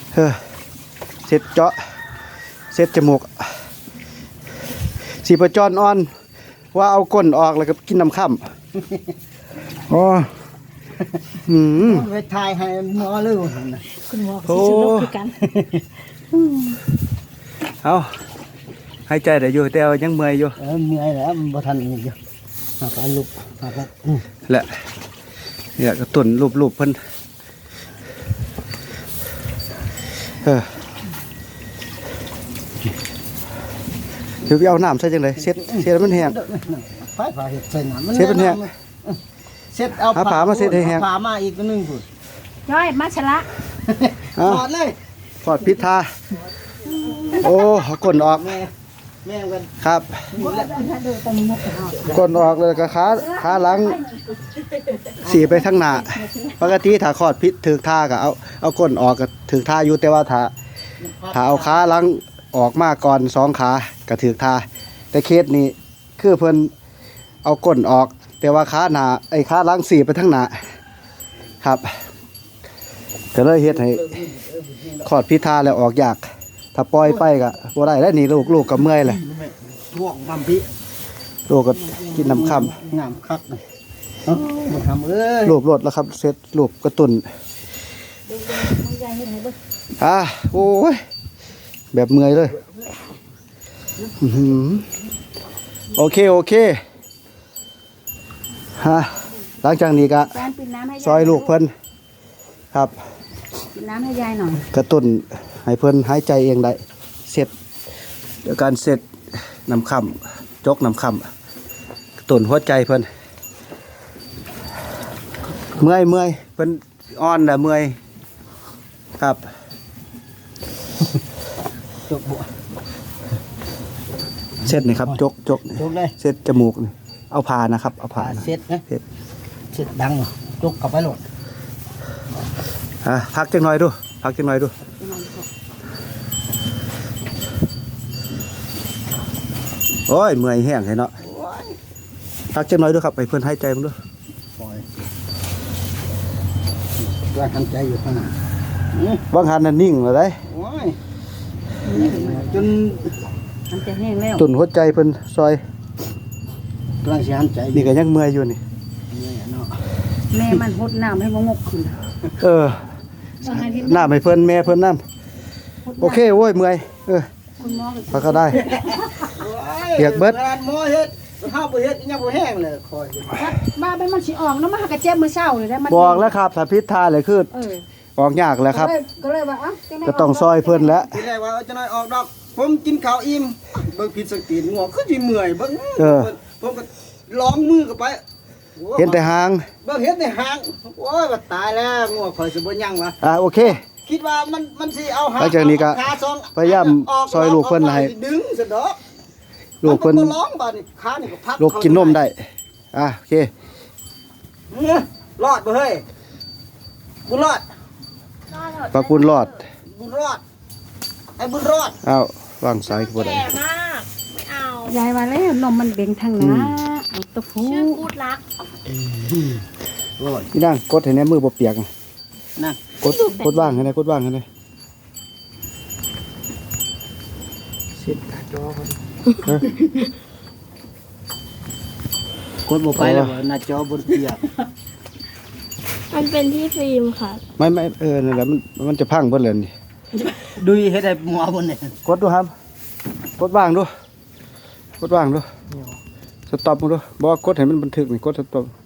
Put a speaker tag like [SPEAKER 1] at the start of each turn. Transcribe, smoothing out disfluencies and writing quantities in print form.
[SPEAKER 1] เสร็จเจาะเสร็จจมูกสีประจรอ่อนว่าเอาก้นออกแล้วก็กินน้ำข้ามอ๋อ
[SPEAKER 2] ไปทายให้หมอเลย
[SPEAKER 3] คุณหมอก็สิสนุกคือกัน
[SPEAKER 1] เอาหายใจได้อยู่แต่ยังเมื่อยอยู่
[SPEAKER 2] เมื่อยแล้วมันบ่ทันอยู่หากลุกหาก
[SPEAKER 1] แหละเนี่ยกระตุนรูปเพิ่นถือไปเอาน้ำใส่จังเลยเช็ดมันแห้ง
[SPEAKER 2] ผ้าเห็ดใส่น้ำมัน
[SPEAKER 1] เช็ดมันแห้ง
[SPEAKER 2] เช็ดเอา
[SPEAKER 1] ผ้ามาเช็ดให้แห้ง
[SPEAKER 2] ผ้ามาอีกนึงพุ่น
[SPEAKER 3] ย้อยมาชะละ
[SPEAKER 2] ถอดเลย
[SPEAKER 1] ถอดพิษทาโอ้ก้นออก
[SPEAKER 2] แม่กัน
[SPEAKER 1] ครับก้นออกเลยก็ขาหลังสีไปทั้งหน้าปกติถ้าขอดพิษถือท่าก็เอาก้นออกก็ถือท่าอยู่แต่ว่าถ้าเอาขาหลังออกมาก่อน2 ขาก็ถือท่าแต่เคสนี้คือเพิ่นเอาก้นออกแต่ว่าขาหน้าขาหลังสีไปทั้งหน้าครับก็เลยเฮ็ดให้ขอดพิษทาแล้วออกยากถ้าปล่อยไปก็บ่ได้แล้วนี่ลูกก็เมื่อยเลย
[SPEAKER 2] ท่วงบำพิ
[SPEAKER 1] ลูกก็กินน้ำค่
[SPEAKER 2] ำงามคักเลยมาทำ
[SPEAKER 1] รูปรถแล้วครับเสร็จรูปกระตุนโอ้ยแบบเมื่อยเลยโอเคฮะหลังจากนี้ก็ซอยลูกเพิ่นครับ
[SPEAKER 3] ปิดน้ำให้ยายหน่อย
[SPEAKER 1] กระตุนให้เพิ่นหายใจเองได้เสร็จเดี๋ยวการเสร็จน้ำค่ำจกน้ำค่ำกระตุนหัวใจเพิ่นเมื่อยเพิ่นอ่อนแหละเมื่อยครับ
[SPEAKER 2] จกบัว
[SPEAKER 1] เสร็จนี่ครับจก
[SPEAKER 2] เลย
[SPEAKER 1] เสร็จจมูกนี่เอาผ่านะครับเอาผ่า
[SPEAKER 2] เสร็จนะเสร็จดังจกกลับไปหลด
[SPEAKER 1] พักจังหน่อยดูโอ้ยเมื่อยแห้งเห็นเนาะพักจังหน่อยดูครับไปเพื่อนหายใจมั้งดู
[SPEAKER 2] ว่าทำใจอยู่ขนาด
[SPEAKER 1] บางหันนั่นนิ่งเลย
[SPEAKER 2] จน
[SPEAKER 3] ทำใจแห้งแล้ว
[SPEAKER 1] ตุ่นหัวใจเพิ่นซอย
[SPEAKER 2] กำลังสิหันใจ
[SPEAKER 1] นี่ก็ยังเมื่อยอยู่นี่
[SPEAKER 3] แม่มันหดน้ำให้งกขึ้น
[SPEAKER 1] น้ำให้เพิ่นแม่เพิ่นน้ำโอเคโว้ยเมื่อย
[SPEAKER 3] คุณหมอ
[SPEAKER 1] พักก็ได้เปียกเบิด
[SPEAKER 2] หมอเฮ็ดข้าวบ่เฮ็ดยังบ่แห้งเลยคอย
[SPEAKER 3] บ้าเป็นมันสิออกเนาะมากระเจ็บมื้อเช้าเลยได้มัน
[SPEAKER 1] บอกแล้วครับถ้าพิษทาเลยคือออกยากแล้วครับ
[SPEAKER 3] ก็เลยว่า
[SPEAKER 1] ก็ต้องซอยเพิ่นแล้ว
[SPEAKER 2] ทีแรกว่าจะน้อยออกดอกผมกินข้าวอิ่มเบิ่งผิดสังเกตงัวคือสิเมื่อยเบิ่งผมก็ล้องมือเข้าไป
[SPEAKER 1] เห็นแต่หาง
[SPEAKER 2] เบิ่งเห็นแต่หางโอ้ยว่าตายแล้วงัวข่อยสิบ่ยังวะ
[SPEAKER 1] โอเค
[SPEAKER 2] คิดว่ามันสิเอาหาง
[SPEAKER 1] จากนี้ก็พยายามซอยลูกเพิ่นให้
[SPEAKER 2] ดึงซะดอก
[SPEAKER 1] ลูกเพิ่น
[SPEAKER 2] ร้องบาดนี่ขานี่ก็พัก
[SPEAKER 1] ลูกกินนมได้โอเค
[SPEAKER 2] รอดบ่เฮ้ยบุญรอด
[SPEAKER 1] ปากบุญรอด
[SPEAKER 2] ไอ้บุญรอด
[SPEAKER 1] วางสายบ่ได้
[SPEAKER 4] แก่มากไม่เอา
[SPEAKER 3] ยายว่าแล้วนมมันเบ่งทางหน้าตะฟู
[SPEAKER 4] ชื่อกูดรัก
[SPEAKER 1] นี่นั่งกดให้แน่มือบ่เปียก
[SPEAKER 2] นั่ง
[SPEAKER 1] กดว่างให้แน่
[SPEAKER 2] เสร็จจอคนบ่ไปแล้วหน้าจอบนเปียก
[SPEAKER 4] มันเป็นที่ฟิล์มค่ะ
[SPEAKER 1] ไม่นั่นแหละมันจะพังเบิดเลยนี่
[SPEAKER 2] ดูเฮ็ดให้หมอบนนี่
[SPEAKER 1] กดดูครับกดว่างดูสต็อปดูบ่กดให้มันบันทึกนี่กดสต็อป